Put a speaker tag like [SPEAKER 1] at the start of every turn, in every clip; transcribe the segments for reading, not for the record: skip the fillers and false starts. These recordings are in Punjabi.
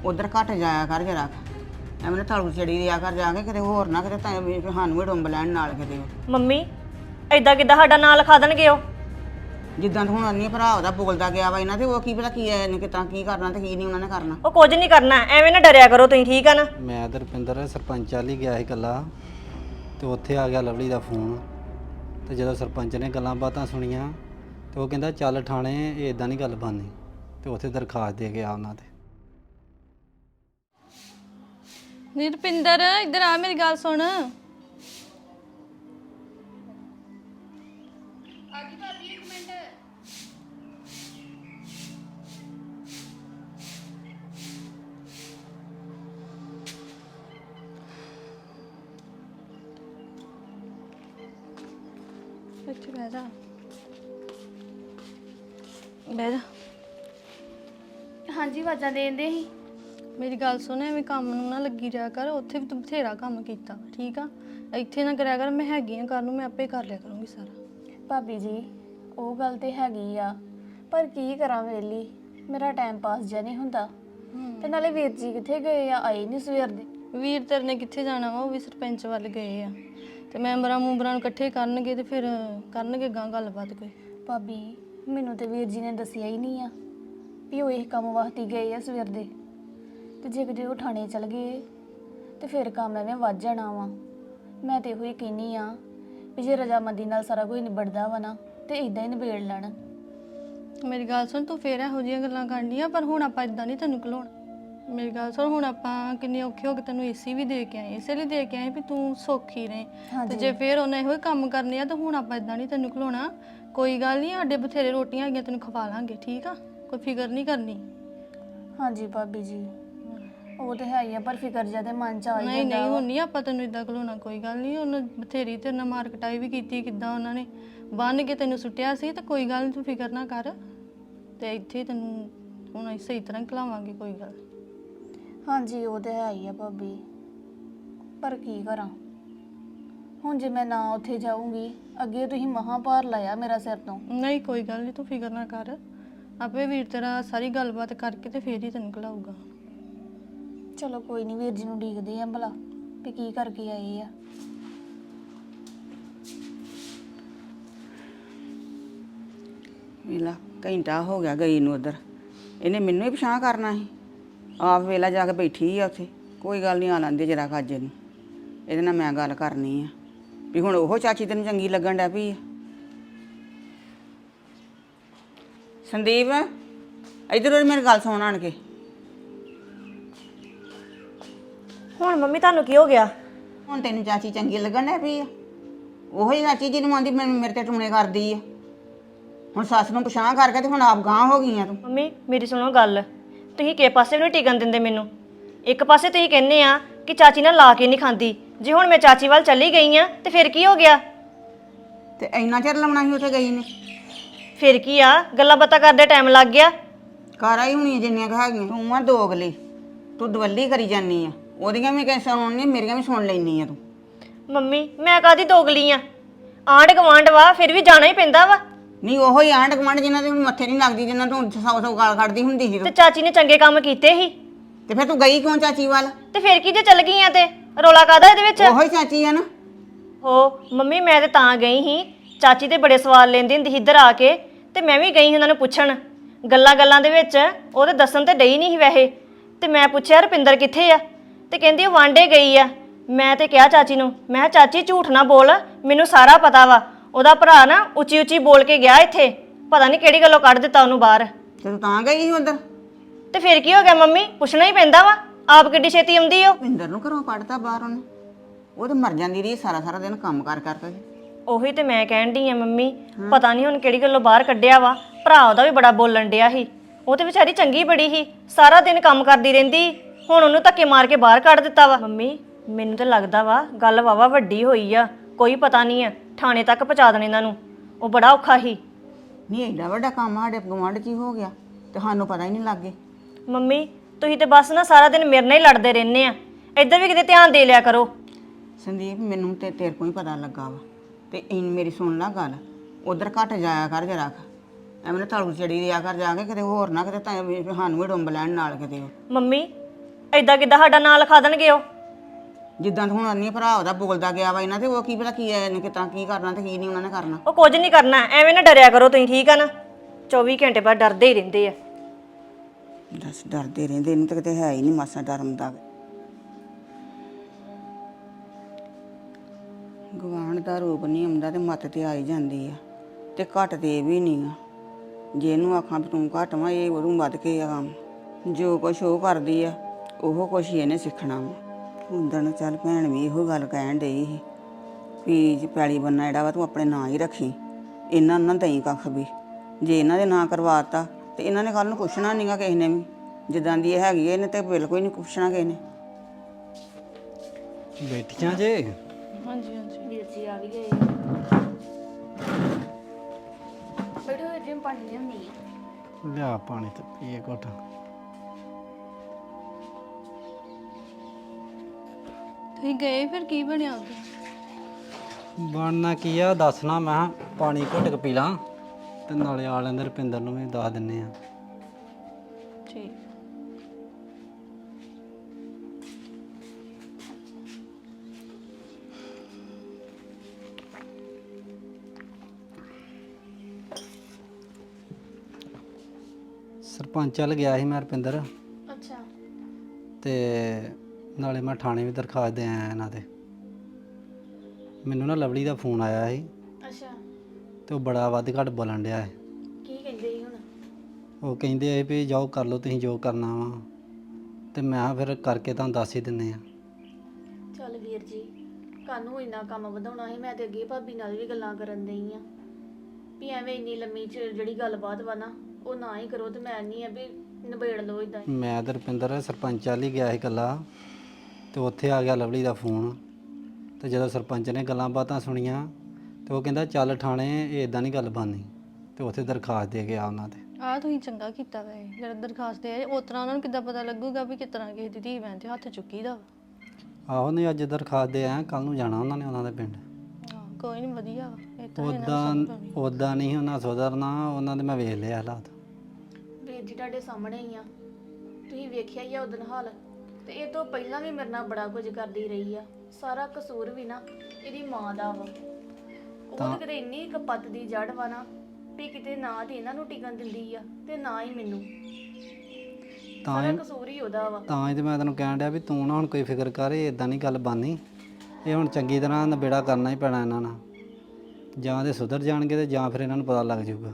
[SPEAKER 1] ਉਧਰ ਘੱਟ ਜਾਇਆ ਕਰ ਜਰਾ ਐਵੇਂ ਨਾ ਤਾਲੂ ਚੜੀ ਰਿਆ ਕਰ ਜਾ ਕੇ ਕਿਤੇ ਹੋਰ ਨਾ ਕਿਤੇ ਸਾਨੂੰ ਵੀ ਡੁੰਬ ਲੈਣ ਨਾਲ ਕਿਤੇ
[SPEAKER 2] ਮੰਮੀ ਐਦਾਂ ਕਿੱਦਾਂ ਸਾਡਾ ਨਾਂ ਲਿਖਾ ਦੇਣਗੇ ਉਹ?
[SPEAKER 1] ਜਿੱਦਾਂ ਹੁਣ ਅੰਨੀ ਭਰਾ ਉਹਦਾ ਬੋਲਦਾ ਗਿਆ ਵਾ ਇਹਨਾਂ ਤੇ ਉਹ ਕੀ ਪਤਾ ਕੀ ਐ ਨੇ ਕਿਤਾ ਕੀ ਕਰਨਾ ਤੇ ਕੀ ਨਹੀਂ ਉਹਨਾਂ ਨੇ ਕਰਨਾ।
[SPEAKER 2] ਉਹ ਕੁਝ ਨਹੀਂ ਕਰਨਾ, ਐਵੇਂ ਨਾ ਡਰਿਆ ਕਰੋ ਤੁਸੀਂ, ਠੀਕ ਆ ਨਾ?
[SPEAKER 3] ਮੈਂ ਤੇ ਰੁਪਿੰਦਰ ਸਰਪੰਚ ਵਾਲ ਹੀ ਗਿਆ ਸੀ ਇਕੱਲਾ ਤੇ ਉੱਥੇ ਆ ਗਿਆ ਲਵਲੀ ਦਾ ਫੋਨ ਤੇ ਜਦੋਂ ਸਰਪੰਚ ਨੇ ਗੱਲਾਂ ਬਾਤਾਂ ਸੁਣੀਆਂ ਤੇ ਉਹ ਕਹਿੰਦਾ ਚੱਲ ਥਾਣੇ ਇਹ ਇਦਾਂ ਨਹੀਂ ਗੱਲ ਬਣਨੀ ਤੇ ਉੱਥੇ ਦਰਖਾਸਤ ਦੇ ਗਿਆ ਉਹਨਾਂ ਤੇ।
[SPEAKER 4] ਨਿਰਪਿੰਦਰ ਇੱਧਰ ਆ, ਮੇਰੀ ਗੱਲ ਸੁਣ। ਇੱਥੇ ਬਹਿ ਜਾ, ਬਹਿ ਜਾ।
[SPEAKER 5] ਹਾਂਜੀ ਆਵਾਜ਼ਾਂ ਦੇਂਦੇ ਸੀ।
[SPEAKER 4] ਮੇਰੀ ਗੱਲ ਸੁਣ, ਐਵੇਂ ਕੰਮ ਨੂੰ ਨਾ ਲੱਗੀ ਰਿਹਾ ਕਰ। ਉੱਥੇ ਵੀ ਤੂੰ ਬਥੇਰਾ ਕੰਮ ਕੀਤਾ, ਠੀਕ ਆ? ਇੱਥੇ ਨਾ ਕਰਿਆ ਕਰ। ਮੈਂ ਹੈਗੀ ਆ, ਕਰਨ ਨੂੰ ਮੈਂ ਆਪੇ ਕਰ ਲਿਆ ਕਰੂੰਗੀ ਸਾਰਾ।
[SPEAKER 5] ਭਾਬੀ ਜੀ ਉਹ ਗੱਲ ਤੇ ਹੈਗੀ ਆ, ਪਰ ਕੀ ਕਰਾਂ ਵੇਲੀ, ਮੇਰਾ ਟਾਈਮ ਪਾਸ ਜਿਹਾ ਨਹੀਂ ਹੁੰਦਾ। ਤੇ ਨਾਲੇ ਵੀਰ ਜੀ ਕਿੱਥੇ ਗਏ ਆ, ਆਏ ਨਹੀਂ ਸਵੇਰ ਦੇ।
[SPEAKER 4] ਵੀਰ ਤੇਰੇ ਨੇ ਕਿੱਥੇ ਜਾਣਾ ਵਾ, ਉਹ ਵੀ ਸਰਪੰਚ ਵੱਲ ਗਏ ਆ ਤੇ ਮੈਂਬਰਾਂ ਮੂੰਬਰਾਂ ਨੂੰ ਇਕੱਠੇ ਕਰਨਗੇ ਤੇ ਫਿਰ ਕਰਨਗੇ ਗਾਂ ਗੱਲਬਾਤ ਕੋਈ।
[SPEAKER 5] ਭਾਬੀ ਮੈਨੂੰ ਤੇ ਵੀਰ ਜੀ ਨੇ ਦੱਸਿਆ ਹੀ ਨਹੀਂ ਆ ਵੀ ਉਹ ਇਹ ਕੰਮ ਵਾਸਤੇ ਗਏ ਆ ਸਵੇਰ ਦੇ। ਤੇ ਜੇ ਕਿਤੇ ਉਹ ਥਾਣੇ ਚਲ ਗਏ ਤੇ ਫਿਰ ਕੰਮ ਐਵੇਂ ਵੱਧ ਜਾਣਾ ਵਾ। ਮੈਂ ਤੇ ਇਹੋ ਹੀ ਕਹਿੰਦੀ ਆ ਵੀ ਜੇ ਰਜਾਮੰਦੀ ਨਾਲ ਸਾਰਾ ਕੁਝ ਨਿਬੜਦਾ ਵਾ ਨਾ ਤੇ ਇਦਾਂ ਹੀ ਨਿਬੇੜ ਲੈਣ।
[SPEAKER 4] ਮੇਰੀ ਗੱਲ ਸੁਣ, ਤੂੰ ਫੇਰ ਇਹੋ ਜਿਹੀਆਂ ਗੱਲਾਂ ਕਰਨੀਆਂ, ਪਰ ਹੁਣ ਆਪਾਂ ਇਦਾਂ ਨਹੀਂ ਤੈਨੂੰ ਘਲਾਉਣਾ। ਮੇਰੀ ਗੱਲ ਸੁਣ, ਹੁਣ ਆਪਾਂ ਕਿੰਨੇ ਔਖੇ ਹੋ ਕੇ ਤੈਨੂੰ ਏਸੀ ਵੀ ਦੇ ਕੇ ਆਏ, ਇਸੇ ਲਈ ਦੇ ਕੇ ਆਏ ਵੀ ਤੂੰ ਸੌਖੀ ਰਹੇ। ਤੇ ਜੇ ਫੇਰ ਉਹਨੇ ਇਹੋ ਹੀ ਕੰਮ ਕਰਨੇ ਆ ਤਾਂ ਹੁਣ ਆਪਾਂ ਇਦਾਂ ਨਹੀਂ ਤੈਨੂੰ ਘਲਾਉਣਾ। ਕੋਈ ਗੱਲ ਨਹੀਂ, ਸਾਡੇ ਬਥੇਰੇ ਰੋਟੀਆਂ ਹੈਗੀਆਂ, ਤੈਨੂੰ ਖਵਾ ਲਾਂਗੇ, ਠੀਕ ਆ? ਕੋਈ ਫਿਕਰ ਨਹੀਂ ਕਰਨੀ।
[SPEAKER 5] ਹਾਂਜੀ ਭਾਬੀ ਜੀ ਉਹ ਤੇ ਹੈ ਹੀ ਆ, ਪਰ ਫਿਕਰ ਜਿਹਾ ਤੇ ਮਨ ਚ ਆ ਹੀ
[SPEAKER 4] ਨਹੀਂ ਨਹੀਂ, ਹੁਣ ਨਹੀਂ ਆਪਾਂ ਤੈਨੂੰ ਇਦਾਂ ਘਲਾਉਣਾ। ਕੋਈ ਗੱਲ ਨਹੀਂ, ਉਹਨੇ ਬਥੇਰੀ ਤੇਰੇ ਨਾਲ ਮਾਰ ਕਟਾਈ ਵੀ ਕੀਤੀ, ਕਿੱਦਾਂ ਉਹਨਾਂ ਨੇ ਬੰਨ ਕੇ ਤੈਨੂੰ ਸੁੱਟਿਆ ਸੀ। ਤੇ ਕੋਈ ਗੱਲ ਨਹੀਂ, ਤੂੰ ਫਿਕਰ ਨਾ ਕਰ। ਤੇ ਇੱਥੇ ਤੈਨੂੰ ਹੁਣ ਸਹੀ ਤਰ੍ਹਾਂ ਖਿਲਾਵਾਂਗੇ, ਕੋਈ ਗੱਲ ਨਹੀਂ।
[SPEAKER 5] ਹਾਂਜੀ ਉਹ ਤੇ ਹੈ ਹੀ ਆ ਭਾਬੀ, ਪਰ ਕੀ ਕਰਾਂ ਹੁਣ ਜੇ ਮੈਂ ਨਾ ਉੱਥੇ ਜਾਊਂਗੀ। ਅੱਗੇ ਤੁਸੀਂ ਮਹਾਂ ਭਾਰ ਲਾਇਆ ਮੇਰਾ ਸਿਰ ਤੋਂ।
[SPEAKER 4] ਨਹੀਂ ਕੋਈ ਗੱਲ ਨਹੀਂ, ਤੂੰ ਫਿਕਰ ਨਾ ਕਰ। ਆਪੇ ਵੀਰ ਤੇਰਾ ਸਾਰੀ ਗੱਲਬਾਤ ਕਰਕੇ ਤੇ ਫੇਰ ਹੀ ਤੈਨੂੰ ਘਲਾਊਗਾ।
[SPEAKER 5] ਚਲੋ ਕੋਈ ਨਹੀਂ, ਵੀਰ ਜੀ ਨੂੰ ਡੀਕਦੇ ਆ ਭਲਾ ਵੀ ਕੀ ਕਰਕੇ ਆਏ ਆ।
[SPEAKER 1] ਵੇਲਾ ਘੰਟਾ ਹੋ ਗਿਆ ਗਈ ਨੂੰ ਉਧਰ, ਇਹਨੇ ਮੈਨੂੰ ਹੀ ਪਛਾਣ ਕਰਨਾ ਸੀ। ਆਪ ਵੇਲਾ ਜਾ ਕੇ ਬੈਠੀ ਆ ਉੱਥੇ। ਕੋਈ ਗੱਲ ਨਹੀਂ, ਆ ਲੈਂਦੇ ਜਰਾ ਕਾਜੇ ਨੂੰ, ਇਹਦੇ ਨਾਲ ਮੈਂ ਗੱਲ ਕਰਨੀ ਆ ਵੀ ਹੁਣ ਉਹ ਚਾਚੀ ਤੈਨੂੰ ਚੰਗੀ ਲੱਗਣ ਡੈ ਪਈ ਆ। ਸੰਦੀਪ ਇੱਧਰ ਮੇਰੀ ਗੱਲ ਸੁਣ ਆਣ ਕੇ।
[SPEAKER 2] ਹੁਣ ਮੰਮੀ ਤੁਹਾਨੂੰ ਕੀ ਹੋ ਗਿਆ?
[SPEAKER 1] ਹੁਣ ਤੈਨੂੰ ਚਾਚੀ ਚੰਗੀ ਲੱਗਣ ਡੈ ਪਈ ਆ? ਉਹੋ ਹੀ ਚਾਚੀ ਜਿਹਨੂੰ ਆਂਦੀ ਮੈਨੂੰ ਮੇਰੇ ਤੇ ਟੂਣੇ ਕਰਦੀ ਆ। ਹੁਣ ਸੱਸ ਨੂੰ ਪਛਾਣ ਕਰਕੇ ਤੇ ਹੁਣ ਆਪ ਗਾਂਹ ਹੋ ਗਈ ਆ ਤੂੰ।
[SPEAKER 2] ਮੰਮੀ ਮੇਰੀ ਸੁਣੋ ਗੱਲ, ਤੁਸੀਂ ਕਿਸੇ ਪਾਸੇ ਵੀ ਨਹੀਂ ਟਿਕਣ ਦਿੰਦੇ ਮੈਨੂੰ। ਇੱਕ ਪਾਸੇ ਤੁਸੀਂ ਕਹਿੰਦੇ ਆ ਕਿ ਚਾਚੀ ਨਾਲ ਲਾ ਕੇ ਨਹੀਂ ਖਾਂਦੀ, ਜੇ ਹੁਣ ਮੈਂ ਚਾਚੀ ਵੱਲ ਚਲੀ ਗਈ ਆ ਤੇ ਫਿਰ ਕੀ ਹੋ ਗਿਆ?
[SPEAKER 1] ਤੇ ਇੰਨਾ ਚਿਰ ਲਾਉਣਾ ਸੀ ਉੱਥੇ ਗਈ ਨੇ?
[SPEAKER 2] ਫਿਰ ਕੀ ਆ, ਗੱਲਾਂ ਬਾਤਾਂ ਕਰਦੇ ਟਾਈਮ ਲੱਗ ਗਿਆ।
[SPEAKER 1] ਘਰ ਆਈ ਹੋਣੀ ਜਿੰਨੀਆਂ ਕੁ ਹੈਗੀਆਂ। ਤੂੰ ਆ ਦੋਗਲੀ, ਤੂੰ ਦਵੱਲੀ ਕਰੀ ਜਾਨੀ ਆ। ਉਹਦੀਆਂ ਵੀ ਕਿਸੇ ਸੁਣਨੀ, ਮੇਰੀਆਂ ਵੀ ਸੁਣ ਲੈਣੀ ਆ ਤੂੰ।
[SPEAKER 2] ਮੰਮੀ ਮੈਂ ਕਾਹਦੀ ਦੋਗਲੀ ਆ? ਆਂਢ ਗੁਆਂਢ ਵਾ, ਫਿਰ ਵੀ ਜਾਣਾ ਹੀ ਪੈਂਦਾ ਵਾ।
[SPEAKER 1] ਨਹੀਂ ਉਹੋ ਹੀ ਆਂਢ ਗੁਆਂਢ ਜਿਨ੍ਹਾਂ ਦੇ ਮੱਥੇ ਨਹੀਂ ਲੱਗਦੀ, ਜਿਨ੍ਹਾਂ ਤੋਂ 100 ਗਾਲ ਕੱਢਦੀ ਹੁੰਦੀ ਸੀ
[SPEAKER 2] ਤੇ
[SPEAKER 1] ਤੂੰ।
[SPEAKER 2] ਚਾਚੀ ਨੇ ਚੰਗੇ ਕੰਮ ਕੀਤੇ ਸੀ
[SPEAKER 1] ਤੇ ਫਿਰ ਤੂੰ ਗਈ ਕਿਉਂ ਚਾਚੀ ਵੱਲ?
[SPEAKER 2] ਤੇ ਫਿਰ ਕੀ ਜੇ ਚੱਲ ਗਈ ਆ ਤੇ ਰੋਲਾ ਕਾਦਾ ਇਹਦੇ ਵਿੱਚ?
[SPEAKER 1] ਉਹੋ ਹੀ ਚਾਚੀ ਆ ਨਾ।
[SPEAKER 2] ਹੋ ਮੰਮੀ ਮੈਂ ਤੇ ਤਾਂ ਗਈ ਸੀ, ਚਾਚੀ ਤੇ ਬੜੇ ਸਵਾਲ ਲੈਂਦੀ ਹੁੰਦੀ ਸੀ ਇੱਧਰ ਆ ਕੇ, ਤੇ ਮੈਂ ਵੀ ਗਈ ਉਹਨਾਂ ਨੂੰ ਪੁੱਛਣ। ਗੱਲਾਂ ਦੇ ਵਿੱਚ ਉਹ ਤੇ ਦੱਸਣ ਤੇ ਡਈ ਨਹੀਂ ਸੀ ਵੈਸੇ। ਤੇ ਮੈਂ ਪੁੱਛਿਆ ਰੁਪਿੰਦਰ ਕਿੱਥੇ ਆ, ਤੇ ਕਹਿੰਦੀ ਉਹ ਵਾਂਡੇ ਗਈ ਆ। ਮੈਂ ਤੇ ਕਿਹਾ ਚਾਚੀ ਨੂੰ, ਮੈਂ ਕਿਹਾ ਚਾਚੀ ਝੂਠ ਨਾ ਬੋਲ, ਮੈਨੂੰ ਸਾਰਾ ਪਤਾ ਵਾ। ਉਹਦਾ ਭਰਾ ਨਾ ਉੱਚੀ ਉੱਚੀ ਬੋਲ ਕੇ ਗਿਆ ਇੱਥੇ, ਪਤਾ ਨਹੀਂ ਕਿਹੜੀ ਗੱਲੋਂ ਕੱਢ ਦਿੱਤਾ ਉਹਨੂੰ ਬਾਹਰ।
[SPEAKER 1] ਤੇ ਤੂੰ ਤਾਂ ਗਈ ਸੀ ਉਧਰ?
[SPEAKER 2] ਤੇ ਫਿਰ ਕੀ ਹੋ ਗਿਆ ਮੰਮੀ, ਪੁੱਛਣਾ ਹੀ ਪੈਂਦਾ ਵਾ। ਆਪ ਕਿੱਡੀ ਛੇਤੀ ਆਉਂਦੀ ਉਹ।
[SPEAKER 1] ਭਿੰਦਰ ਨੂੰ ਘਰੋਂ ਕੱਢਤਾ ਬਾਹਰ ਉਹਨੇ? ਉਹ ਤਾਂ ਮਰ ਜਾਂਦੀ ਰਹੀ ਸਾਰਾ ਦਿਨ ਕੰਮ ਕਰ ਕਰਕੇ।
[SPEAKER 2] ਉਹੀ ਤੇ ਮੈਂ ਕਹਿਣ ਡਈ ਆ ਮੰਮੀ, ਪਤਾ ਨਹੀਂ ਹੁਣ ਕਿਹੜੀ ਗੱਲੋਂ ਬਾਹਰ ਕੱਢਿਆ ਵਾ। ਭਰਾ ਉਹਦਾ ਵੀ ਬੜਾ ਬੋਲਣ ਡਿਆ ਸੀ। ਉਹ ਤੇ ਵਿਚਾਰੀ ਚੰਗੀ ਬੜੀ ਸੀ, ਸਾਰਾ ਦਿਨ ਕੰਮ ਕਰਦੀ ਰਹਿੰਦੀ, ਹੁਣ ਉਹਨੂੰ ਧੱਕੇ ਮਾਰ ਕੇ ਬਾਹਰ ਕੱਢ ਦਿੱਤਾ ਵਾ। ਮੰਮੀ ਮੈਨੂੰ ਤਾਂ ਲੱਗਦਾ ਵਾ ਗੱਲ ਵਾਵਾ ਵੱਡੀ ਹੋਈ ਆ, ਕੋਈ ਪਤਾ ਨਹੀਂ ਆ। ਥਾਣੇ ਤੱਕ ਪਹੁੰਚਾ ਦੇਣ ਇਹਨਾਂ ਨੂੰ, ਉਹ ਬੜਾ ਔਖਾ ਸੀ।
[SPEAKER 1] ਨਹੀਂ ਐਡਾ ਵੱਡਾ ਕੰਮ ਸਾਡੇ ਗੁਆਂਢ 'ਚ ਹੀ ਹੋ ਗਿਆ ਤੇ ਸਾਨੂੰ ਪਤਾ ਹੀ ਨਹੀਂ ਲੱਗੇ।
[SPEAKER 2] ਮੰਮੀ ਤੁਸੀਂ ਤੇ ਬਸ ਨਾ ਸਾਰਾ ਦਿਨ ਮੇਰੇ ਨਾਲ ਹੀ ਲੜਦੇ ਰਹਿੰਦੇ ਆ, ਇੱਧਰ ਵੀ ਕਿਤੇ ਧਿਆਨ ਦੇ ਲਿਆ ਕਰੋ।
[SPEAKER 1] ਸੰਦੀਪ ਮੈਨੂੰ ਤੇ ਤੇਰੇ ਕੋਲ ਹੀ ਪਤਾ ਲੱਗਾ ਵਾ, ਤੇ ਮੇਰੀ ਸੁਣ ਲੈ ਗੱਲ, ਉਧਰ ਘੱਟ ਜਾਇਆ ਕਰ ਜਰਾ। ਐਵੇਂ ਨਾ ਤਾਲੂ ਚੜੀ ਰਿਆ ਕਰ ਜਾ ਕੇ ਕਿਤੇ ਹੋਰ ਨਾ ਕਿਤੇ ਸਾਨੂੰ ਵੀ ਡੁੰਬ ਲੈਣ ਨਾਲ ਕਿਤੇ।
[SPEAKER 2] ਮੰਮੀ ਐਦਾਂ ਕਿੱਦਾਂ ਸਾਡਾ ਨਾਂ ਲਿਖਾ ਦੇਣਗੇ ਉਹ?
[SPEAKER 1] ਜਿੱਦਾਂ ਹੁਣ ਅੰਨੀ ਭਰਾ ਉਹਦਾ ਬੋਲਦਾ ਗਿਆ ਵਾ ਇਹਨਾਂ ਤੇ ਉਹ ਕੀ ਪਤਾ ਕੀ ਹੈ ਇਹਨੇ ਕਿਤਾ ਕੀ ਕਰਨਾ ਤੇ ਕੀ ਨਹੀਂ ਉਹਨਾਂ ਨੇ ਕਰਨਾ।
[SPEAKER 2] ਉਹ ਕੁਝ ਨਹੀਂ ਕਰਨਾ, ਐਵੇਂ ਨਾ ਡਰਿਆ ਕਰੋ ਤੁਸੀਂ, ਠੀਕ ਆ ਨਾ? 24 ਘੰਟੇ ਬਾਅਦ ਡਰਦੇ ਹੀ ਰਹਿੰਦੇ ਆ।
[SPEAKER 1] ਦੱਸ ਡਰਦੇ ਰਹਿੰਦੇ, ਇਹਨੂੰ ਤਾਂ ਕਿਤੇ ਹੈ ਹੀ ਨਹੀਂ ਮਾਸਾ ਡਰ ਹੁੰਦਾ। ਗਵਾਂਢ ਦਾ ਰੂਪ ਨਹੀਂ ਆਉਂਦਾ ਤੇ ਮੱਤ ਤੇ ਆ ਹੀ ਜਾਂਦੀ ਆ ਤੇ ਘੱਟ ਤੇ ਇਹ ਵੀ ਨਹੀਂ ਆ। ਜੇ ਇਹਨੂੰ ਆਖਾਂ ਵੀ ਤੂੰ ਘੱਟ ਵਾ, ਇਹ ਉਹਨੂੰ ਵੱਧ ਕੇ ਆ ਕੰਮ। ਜੋ ਕੁਛ ਉਹ ਕਰਦੀ ਆ ਉਹ ਕੁਛ ਹੀ ਇਹਨੇ ਸਿੱਖਣਾ ਵਾ। ਹੁੰਦਣ ਚੱਲ ਭੈਣ ਵੀ ਇਹੋ ਗੱਲ ਕਹਿਣ ਡਈ ਸੀ ਵੀ ਜੇ ਪੈਲੀ ਬੰਨਾ ਜਿਹੜਾ ਵਾ ਤੂੰ ਆਪਣੇ ਨਾਂ ਹੀ ਰੱਖੀ, ਇਹਨਾਂ ਨੂੰ ਨਾ ਦਈ ਕੱਖ ਵੀ। ਜੇ ਇਹਨਾਂ ਦੇ ਨਾਂ ਕਰਵਾਤਾ ਤੇ ਇਹਨਾਂ ਨੇ ਕੱਲ ਨੂੰ ਪੁੱਛਣਾ ਨਹੀਂਗਾ ਕਿਸੇ ਨੇ ਵੀ। ਜਿੱਦਾਂ ਦੀ ਇਹ ਹੈਗੀ ਹੈ ਇਹਨੇ ਤੇ ਬਿਲਕੁਲ ਨਹੀਂ ਪੁੱਛਣਾ ਕਿਸੇ ਨੇ।
[SPEAKER 3] ਬੈਠੀਆਂ ਜੇ?
[SPEAKER 4] ਹਾਂਜੀ ਹਾਂਜੀ
[SPEAKER 5] ਵੀਰ ਜੀ ਆ ਵੀ ਗਏ। ਬੈਠੋ ਵੀਰ ਜੀ, ਮੈਂ ਪਾਣੀ ਲਿਆਉਂਦੀ ਆ।
[SPEAKER 3] ਲਿਆ ਪਾਣੀ ਤੇ ਪੀਏ ਘੁੱਟ।
[SPEAKER 4] ਤੁਸੀਂ ਗਏ ਫਿਰ ਕੀ ਬਣਿਆ ਉੱਥੇ?
[SPEAKER 3] ਬਣਨਾ ਕੀ ਆ ਦੱਸਣਾ, ਮੈਂ ਕਿਹਾ ਪਾਣੀ ਘੁੱਟ ਕੇ ਪੀ ਲਾਂ ਤੇ ਨਾਲੇ ਆ ਲੈਂਦੇ ਰੁਪਿੰਦਰ ਨੂੰ ਵੀ ਦੱਸ ਦਿੰਨੇ ਆ।
[SPEAKER 4] ਠੀਕ।
[SPEAKER 3] ਸਰਪੰਚ ਵੱਲ ਗਿਆ ਸੀ ਮੈਂ ਰੁਪਿੰਦਰ,
[SPEAKER 5] ਅੱਛਾ।
[SPEAKER 3] ਤੇ ਨਾਲੇ ਮੈਂ ਥਾਣੇ ਵੀ ਦਰਖਾਸਤ ਦੇ ਆਇਆ ਇਹਨਾਂ ਤੇ। ਮੈਨੂੰ ਨਾ ਲਵਲੀ ਦਾ ਫੋਨ ਆਇਆ ਸੀ
[SPEAKER 5] ਅੱਛਾ,
[SPEAKER 3] ਤੇ ਉਹ ਬੜਾ ਵੱਧ ਘੱਟ ਬੋਲਣ ਡਿਆ ਹੈ।
[SPEAKER 5] ਕੀ ਕਹਿੰਦੇ ਸੀ ਹੁਣ?
[SPEAKER 3] ਉਹ ਕਹਿੰਦੇ ਆ ਵੀ ਜਾਓ ਕਰ ਲਓ ਤੁਸੀਂ ਜੋ ਕਰਨਾ ਵਾ, ਤੇ ਮੈਂ ਕਿਹਾ ਫਿਰ ਕਰਕੇ ਤੁਹਾਨੂੰ ਦੱਸ ਹੀ ਦਿੰਦੇ ਆ।
[SPEAKER 5] ਚੱਲ ਵੀਰ ਜੀ, ਕਾਹਨੂੰ ਇੰਨਾ ਕੰਮ ਵਧਾਉਣਾ ਸੀ? ਮੈਂ ਤੇ ਅੱਗੇ ਭਾਬੀ ਨਾਲ ਵੀ ਗੱਲਾਂ ਕਰਨ ਦਈ ਆ ਵੀ ਐਵੇਂ ਇੰਨੀ ਲੰਮੀ ਚ ਜਿਹੜੀ ਗੱਲਬਾਤ ਵਾ ਨਾ ਉਹ ਨਾ ਹੀ ਕਰੋ, ਤੇ ਮੈਂ ਨਹੀਂ ਆ ਵੀ ਨਿਬੇੜ ਲਓ ਇਦਾਂ ਹੀ।
[SPEAKER 3] ਮੈਂ ਤੇ ਰੁਪਿੰਦਰ ਸਰਪੰਚ ਵੱਲ ਹੀ ਗਿਆ ਸੀ ਇਕੱਲਾ, ਤੇ ਉੱਥੇ ਆ ਗਿਆ ਲਵਲੀ ਦਾ ਫੋਨ। ਤੇ ਜਦੋਂ ਸਰਪੰਚ ਨੇ ਗੱਲਾਂ ਬਾਤਾਂ ਸੁਣੀਆਂ ਤੇ ਉਹ ਕਹਿੰਦਾ ਚੱਲ ਥਾਣੇ, ਇਹ ਇਦਾਂ ਨਹੀਂ ਗੱਲ ਬਣਨੀ, ਤੇ ਉੱਥੇ ਦਰਖਾਸਤ ਦੇ ਗਿਆ ਉਹਨਾਂ ਤੇ।
[SPEAKER 4] ਆਹ ਤੁਸੀਂ ਚੰਗਾ ਕੀਤਾ ਵੈ ਜਿਹੜਾ ਦਰਖਾਸਤ ਦੇ ਆਏ। ਉਸ ਤਰ੍ਹਾਂ ਉਹਨਾਂ ਨੂੰ ਕਿੱਦਾਂ ਪਤਾ ਲੱਗੂਗਾ ਵੀ ਕਿਸ ਤਰ੍ਹਾਂ ਕਿਸੇ ਦੀ ਧੀ ਭੈਣ ਤੇ ਹੱਥ ਚੁੱਕੀਦਾ ਵਾ।
[SPEAKER 3] ਆਹੋ, ਨਹੀਂ ਅੱਜ ਦਰਖਾਸਤ ਦੇ ਆਇਆ, ਕੱਲ ਨੂੰ ਜਾਣਾ ਉਹਨਾਂ ਨੇ ਉਹਨਾਂ ਦੇ ਪਿੰਡ।
[SPEAKER 4] ਹਾਂ ਕੋਈ ਨਹੀਂ, ਵਧੀਆ ਵਾ। ਇਹ ਤਾਂ ਇਹਨਾਂ
[SPEAKER 3] ਉੱਦਾਂ
[SPEAKER 4] ਨੂੰ ਸਮਝ ਆਉਣੀ।
[SPEAKER 3] ਉੱਦਾਂ ਨਹੀਂ ਉਹਨਾਂ ਸੁਧਰਨਾ, ਉਹਨਾਂ ਦੇ ਮੈਂ ਵੇਖ ਲਿਆ ਹਾਲਾਤ।
[SPEAKER 5] ਵੀਰ ਜੀ ਤੁਹਾਡੇ ਸਾਹਮਣੇ ਹੀ ਆ, ਤੁਸੀਂ ਵੇਖਿਆ ਹੀ ਆ ਉਦੋਂ ਹਾਲ। ਤੇ ਇਹ ਤੋਂ ਪਹਿਲਾਂ ਵੀ ਮੇਰੇ ਨਾਲ ਬੜਾ ਕੁਝ ਕਰਦੀ ਰਹੀ ਆ। ਸਾਰਾ ਕਸੂਰ ਵੀ ਨਾ ਇਹਦੀ ਮਾਂ ਦਾ ਵਾ। ਉਹ ਤਾਂ ਕਿਤੇ ਇੰਨੀ ਕਪੱਤ ਦੀ ਜੜ ਵਾ ਨਾ ਵੀ ਕਿਤੇ ਨਾ ਤੇ ਇਹਨਾਂ ਨੂੰ ਟਿਕਣ ਦਿੰਦੀ ਆ ਤੇ ਨਾ ਹੀ ਮੈਨੂੰ।
[SPEAKER 3] ਤਾਂ
[SPEAKER 5] ਸਾਰਾ
[SPEAKER 3] ਹੀ
[SPEAKER 5] ਕਸੂਰ ਹੀ ਉਹਦਾ ਵਾ।
[SPEAKER 3] ਤਾਂ ਹੀ ਤੇ ਮੈਂ ਤੈਨੂੰ ਕਹਿਣ ਡਿਆ ਵੀ ਤੂੰ ਨਾ ਹੁਣ ਕੋਈ ਫਿਕਰ ਕਰ, ਇਹ ਇਦਾਂ ਨਹੀਂ ਗੱਲ ਬਣਨੀ। ਇਹ ਹੁਣ ਚੰਗੀ ਤਰ੍ਹਾਂ ਨਿਬੇੜਾ ਕਰਨਾ ਹੀ ਪੈਣਾ ਇਹਨਾਂ ਨਾਲ। ਜਾਂ ਤੇ ਸੁਧਰ ਜਾਣਗੇ ਤੇ ਜਾਂ ਫਿਰ ਇਹਨਾਂ ਨੂੰ ਪਤਾ ਲੱਗ ਜਾਊਗਾ।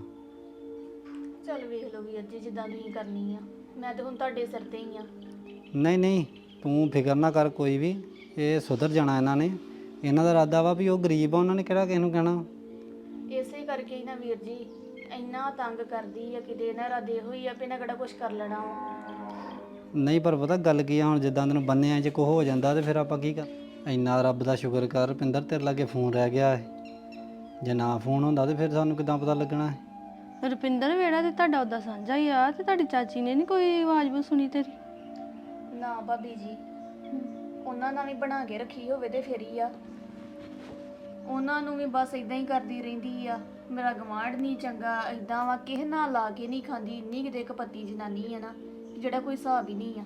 [SPEAKER 5] ਚੱਲ ਵੇਖ ਲਓ ਵੀਰ ਜੀ, ਜਿੱਦਾਂ ਤੁਸੀਂ ਕਰਨੀ ਆ। ਮੈਂ ਤੇ ਹੁਣ ਤੁਹਾਡੇ ਸਿਰ ਤੇ ਹੀ ਆ।
[SPEAKER 3] ਨਹੀਂ ਨਹੀਂ, ਤੂੰ ਫਿਕਰ ਨਾ ਕਰ ਕੋਈ ਵੀ, ਇਹ ਸੁਧਰ ਜਾਣਾ ਇਹਨਾਂ ਨੇ। ਇਹਨਾਂ ਦਾ ਇਰਾਦਾ ਵਾ ਵੀ ਉਹ ਗਰੀਬ ਆ, ਉਹਨਾਂ ਨੇ ਕਿਹੜਾ ਕਿਸੇ ਨੂੰ ਕਹਿਣਾ।
[SPEAKER 5] ਇਸੇ ਕਰਕੇ ਹੀ ਨਾ ਵੀਰ ਜੀ ਇੰਨਾ ਤੰਗ ਕਰਦੀ ਆ। ਕਿਤੇ ਇਹਨਾਂ ਇਰਾਦੇ ਹੋਈ ਆ ਵੀ ਇਹਨਾਂ ਕਿਹੜਾ ਕੁਝ ਕਰ ਲੈਣਾ ਵਾ।
[SPEAKER 3] ਨਹੀਂ ਪਰ ਪਤਾ ਗੱਲ ਕੀ ਆ, ਹੁਣ ਜਿੱਦਾਂ ਤੈਨੂੰ ਬੰਨਿਆ ਜੇ ਕੁਛ ਹੋ ਜਾਂਦਾ ਤੇ ਫਿਰ ਆਪਾਂ ਕੀ ਕਰ। ਇੰਨਾ ਰੱਬ ਦਾ ਸ਼ੁਕਰ ਕਰ ਰੁਪਿੰਦਰ, ਤੇਰੇ ਲਾਗੇ ਫੋਨ ਰਹਿ ਗਿਆ ਹੈ। ਜੇ ਨਾ ਫੋਨ ਹੁੰਦਾ ਤੇ ਫਿਰ ਸਾਨੂੰ ਕਿੱਦਾਂ ਪਤਾ ਲੱਗਣਾ ਹੈ।
[SPEAKER 4] ਰੁਪਿੰਦਰ ਵੇੜਾ ਤੇ ਤੁਹਾਡਾ ਉਹਦਾ ਸਾਂਝਾ ਹੀ ਆ, ਤੇ ਤੁਹਾਡੀ ਚਾਚੀ ਨੇ ਨਹੀਂ ਕੋਈ ਆਵਾਜ਼ ਬੂ ਸੁਣੀ ਤੇਰੀ?
[SPEAKER 5] ਨਾ ਭਾਬੀ ਜੀ, ਉਹਨਾਂ ਨਾਲ ਵੀ ਬਣਾ ਕੇ ਰੱਖੀ ਹੋਵੇ ਤੇ ਫਿਰ ਹੀ ਆ। ਉਹਨਾਂ ਨੂੰ ਵੀ ਬਸ ਇਦਾਂ ਹੀ ਕਰਦੀ ਰਹਿੰਦੀ ਆ। ਮੇਰਾ ਗਵਾਂਢ ਨਹੀਂ ਚੰਗਾ, ਇਦਾਂ ਵਾ, ਕਿਸੇ ਨਾਲ ਲਾ ਕੇ ਨਹੀਂ ਖਾਂਦੀ। ਇੰਨੀ ਕਿਤੇ ਕਪੱਤੀ ਜਨਾਨੀ ਆ ਨਾ ਜਿਹੜਾ ਕੋਈ ਹਿਸਾਬ ਹੀ ਨਹੀਂ ਆ।